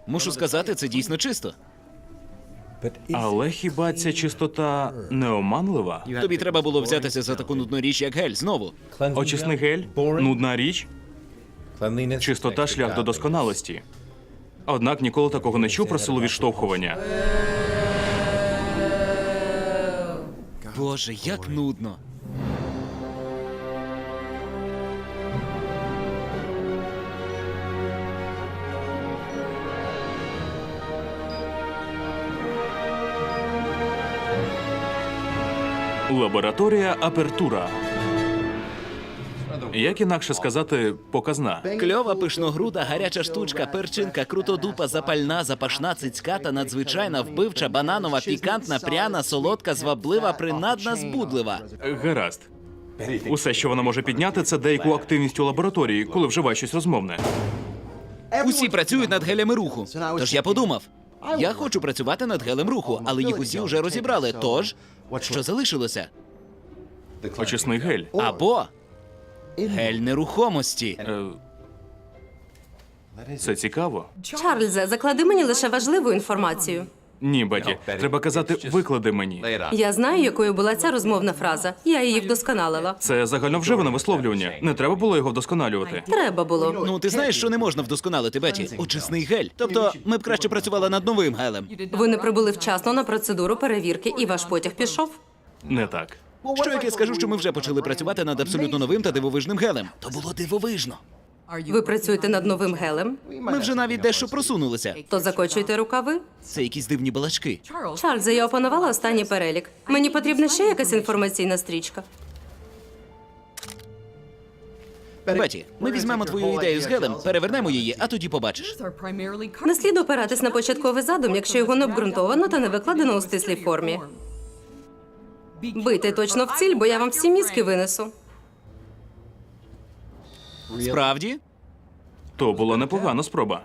Мушу сказати, це дійсно чисто. Але хіба ця чистота не оманлива? Тобі треба було взятися за таку нудну річ, як гель, знову. Очисний гель – нудна річ, чистота – шлях до досконалості. Однак ніколи такого не чув про силу відштовхування. Боже, як нудно. Лабораторія Апертура. Як інакше сказати, показна. Кльова, пишногруда, гаряча штучка, перчинка, крутодупа, запальна, запашна, цицьката, надзвичайна, вбивча, бананова, пікантна, пряна, солодка, зваблива, принадна, збудлива. Гаразд. Усе, що вона може підняти, це деяку активність у лабораторії, коли вживає щось розмовне. Усі працюють над гелями руху. Тож я подумав, я хочу працювати над гелем руху, але їх усі вже розібрали. Тож, що залишилося? Очисний гель. Або гель нерухомості. Це цікаво. Чарльзе, заклади мені лише важливу інформацію. Ні, Беті, треба казати «виклади мені». Я знаю, якою була ця розмовна фраза. Я її вдосконалила. Це загальновживане висловлювання. Не треба було його вдосконалювати. Треба було. Ну, ти знаєш, що не можна вдосконалити, Беті? Очисний гель. Тобто, ми б краще працювали над новим гелем. Ви не прибули вчасно на процедуру перевірки, і ваш потяг пішов. Не так. Що як я скажу, що ми вже почали працювати над абсолютно новим та дивовижним гелем? То було дивовижно. Ви працюєте над новим гелем? Ми вже навіть дещо просунулися. То закочуйте рукави. Це якісь дивні балачки. Чарльзе, я опанувала останній перелік. Мені потрібна ще якась інформаційна стрічка. Беті, ми візьмемо твою ідею з гелем, перевернемо її, а тоді побачиш. Не слід опиратись на початковий задум, якщо його не обґрунтовано та не викладено у стислій формі. Бийте точно в ціль, бо я вам всі мізки винесу. Справді? То була непогана спроба.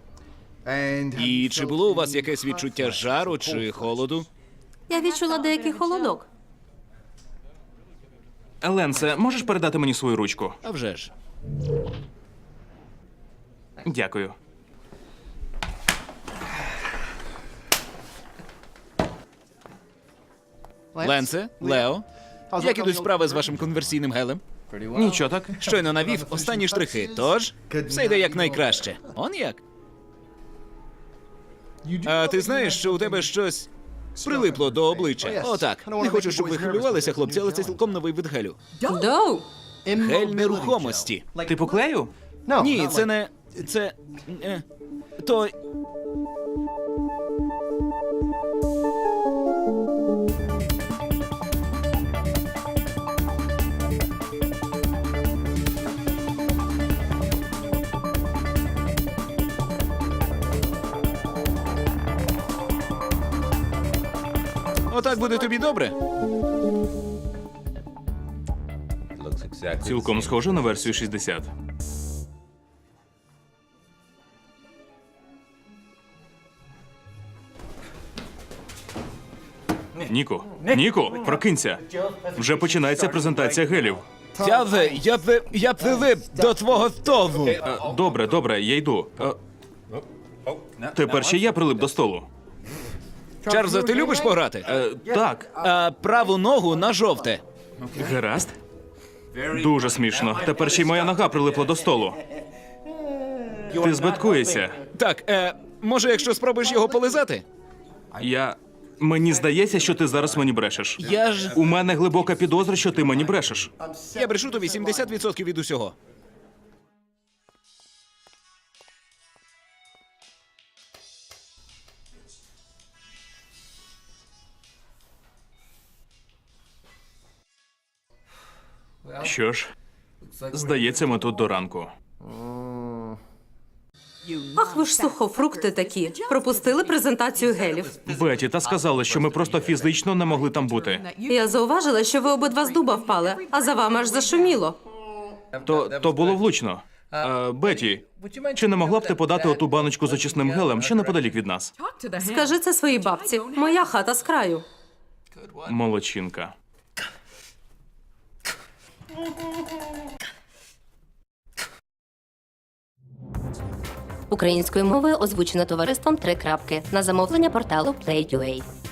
І чи було у вас якесь відчуття жару чи холоду? Я відчула деякий холодок. Еленсе, можеш передати мені свою ручку? А вже ж. Дякую. Ленсе, Лео, як ідуть справи з вашим конверсійним гелем? Нічого так. Щойно навів останні штрихи, тож все йде якнайкраще. Он як? А ти знаєш, що у тебе щось прилипло до обличчя? Отак. Не хочу, щоб ви хвилювалися, хлопці, але це цілком новий вид гелю. Доу! Гель нерухомості. Ти поклею? Ні, це не... це... то... Отак буде тобі добре? Цілком схоже на версію 60. Ніку, прокинься. Вже починається презентація гелів. Я прилип до твого столу. Добре, я йду. Тепер ще я прилип до столу. Чарльзе, ти любиш пограти? Так, Праву ногу на жовте. гаразд. Дуже смішно. Тепер ще й моя нога прилипла до столу. Ти збиткуєшся. Так, може, якщо спробуєш його полизати? Мені здається, що ти зараз мені брешеш. Я ж... У мене глибока підозра, що ти мені брешеш. Я брешу тобі 70% від усього. Що ж, здається, ми тут до ранку. Ах, ви ж сухофрукти такі. Пропустили презентацію гелів. Беті, та сказали, що ми просто фізично не могли там бути. Я зауважила, що ви обидва з дуба впали, а за вами аж зашуміло. То було влучно. Беті, чи не могла б ти подати оту баночку з очисним гелем ще неподалік від нас? Скажи це своїй бабці. Моя хата з краю. Молодчинка. Українською мовою озвучено товариством «Три крапки» на замовлення порталу Play.ua.